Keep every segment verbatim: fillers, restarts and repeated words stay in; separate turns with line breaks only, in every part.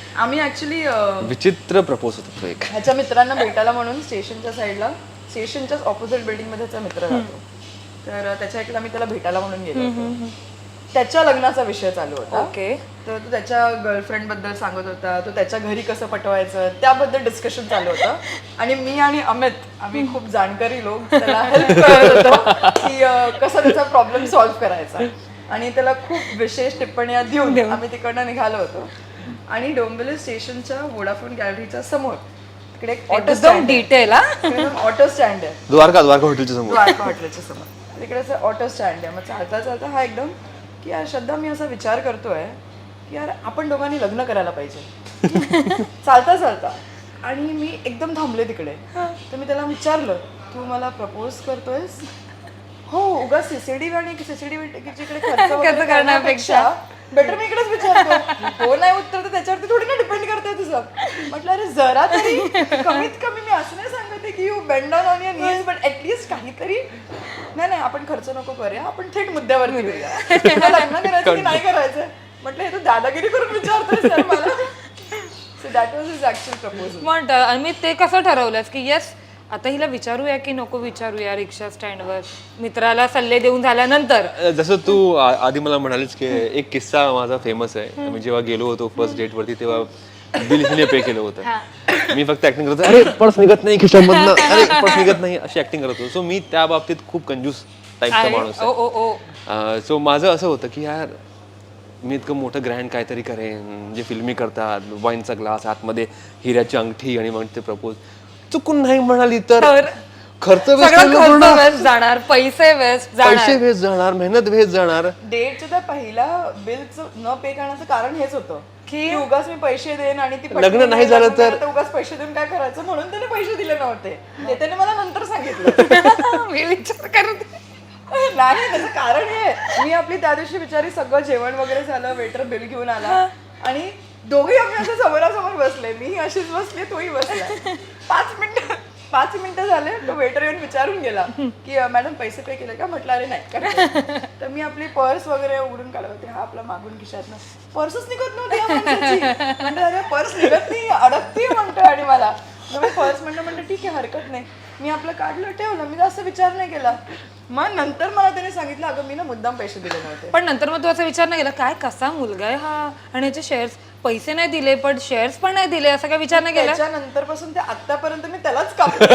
आम्ही ऍक्च्युली
विचित्र प्रपोज होता तो एक.
ह्याच्या मित्रांना भेटायला म्हणून स्टेशनच्या साईडला स्टेशनच्याच ऑपोजिट बिल्डिंग मध्ये त्याचा मित्र राहतो. तर त्याच्या इकडे आम्ही त्याला भेटायला म्हणून गेलो होतो. त्याच्या लग्नाचा विषय चालू होता.
ओके.
तर तो त्याच्या गर्लफ्रेंड बद्दल सांगत होता, तो त्याच्या घरी कसं पटवायचं त्याबद्दल डिस्कशन चालू होतं. आणि मी आणि अमित आम्ही खूप जाणकारी लोक त्याला हेल्प करत होतो की अं, कसा त्याचा प्रॉब्लेम सॉल्व्ह करायचा. आणि त्याला खूप विशेष टिप्पण्या देऊन आम्ही तिकडनं निघालो होतो. आणि डोंबिवली स्टेशनच्या वोडाफोन गॅलरीच्या समोर तिकडे एक ऑटो
एकदम डिटेल हा.
ऑटो स्टँड आहे
द्वारका द्वारका हॉटेलच्या समोर.
द्वारका हॉटेलच्या समोर तिकडे असं ऑटो स्टँड आहे. मग चालता चालता हा एकदम की यार श्रद्धा मी असा विचार करतोय की यार आपण दोघांनी लग्न करायला पाहिजे चालता चालता. आणि मी एकदम थांबले तिकडे. तर मी त्याला विचारलं तू मला प्रपोज करतोयस? हो, उगा सीसीडी आणि सीसीडी जिकडे खर्च वगैरे करण्यापेक्षा बेटर मी इकडेच विचारतो. हो नाही उत्तर तर त्याच्यावरती थोडी ना डिपेंड करते तुझं. म्हटलं अरे जरा तरी कमीत कमी मी असं नाही सांगते की you bend on on your knees but at least काहीतरी. नाही नाही आपण खर्च नको करूया, आपण थेट मुद्द्यावरती येऊया. तुला लग्न करायचं की नाही करायचं? म्हटलं हे तू दादागिरी करून विचारतोय सर मला. So that was his actual proposal.
मग आम्ही ते कसं ठरवलंस की येस आता हिला विचारूया की नको विचारूया रिक्षा स्टँडवर मित्राला सल्ले देऊन झाल्यानंतर?
जसं तू आ- आधी मला म्हणालीस की एक किस्सा माझा फेमस आहे. मी जेव्हा गेलो होतो फर्स्ट डेट वरती तेव्हा बिल हिने पे केलं होतं. मी फक्त ऍक्टिंग करत होतो, अरे पर्स निघत नाही खिशामधनं, अरे पर्स निघत नाही अशी ऍक्टिंग करत होतो. सो मी त्या बाबतीत खूप कंजूस टाईपचा माणूस
ओ ओ ओ
आहे. सो माझं असं होतं की यार मी इतकं मोठं ग्रँड काहीतरी करेन जे फिल्मी करतात, वाईनचा ग्लास आतमध्ये हिऱ्याची अंगठी आणि मग ते प्रपोज. चुकून नाही म्हणाली तर खर्च
सगळं खर्च वेस्ट जाणार, पैसे वेस्ट जाणार,
पैसे वेस्ट जाणार, मेहनत वेस्ट जाणार.
डेटचं तर पहिला बिलचं न पे करण्याचं कारण हेच होतं की उगाच मी पैसे देईन आणि ती पटकन
लग्न नाही झालं तर
उगाच पैसे देऊन काय करायचं म्हणून त्याने पैसे दिले नव्हते. ते त्याने मला नंतर सांगितलं.
मी विचार करत
नाही त्याचं कारण हे मी आपली त्या दिवशी बिचारी सगळं जेवण वगैरे झालं, वेटर बिल घेऊन आला आणि दोघे आम्ही असं समोरासमोर बसले. मी अशीच बसले, तोही बसला. पाच मिनिटं पाच मिनिटं झाले तो वेटर येऊन विचारून गेला की मॅडम पैसे पे केले का? म्हटलं अरे नाही का. तर मी आपली पर्स वगैरे उघडून काढत होते. हा आपला मागून खिशातनं पर्सच निघत नव्हती. म्हणतो अरे पर्स निघत नाही, अडकती म्हणतो. आणि मला मी पर्स म्हणलं म्हणलं ठीक आहे हरकत नाही. मी आपलं काढलं ठेवलं, मी जास्त विचार नाही केला. मग नंतर मला त्याने सांगितलं अगं मी ना मुद्दाम पैसे दिले नव्हते.
पण नंतर मग तू असा विचार नाही केला काय कसा मुलगा आहे हा आणि याचे शेअर्स पैसे नाही दिले पण शेअर्स पण नाही दिले असं काय विचार नाही केला?
त्याच्यानंतर पासून ते आतापर्यंत मी त्यालाच कापते.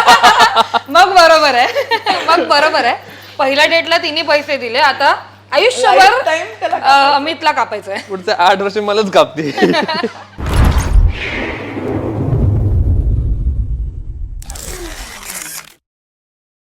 मग बरोबर आहे. मग बरोबर आहे. पहिल्या डेटला तिने पैसे दिले, आता आयुष्यभर
टाइम त्याला
अं, अमितला कापायचंय.
पुढचं आठ वर्ष मलाच कापते.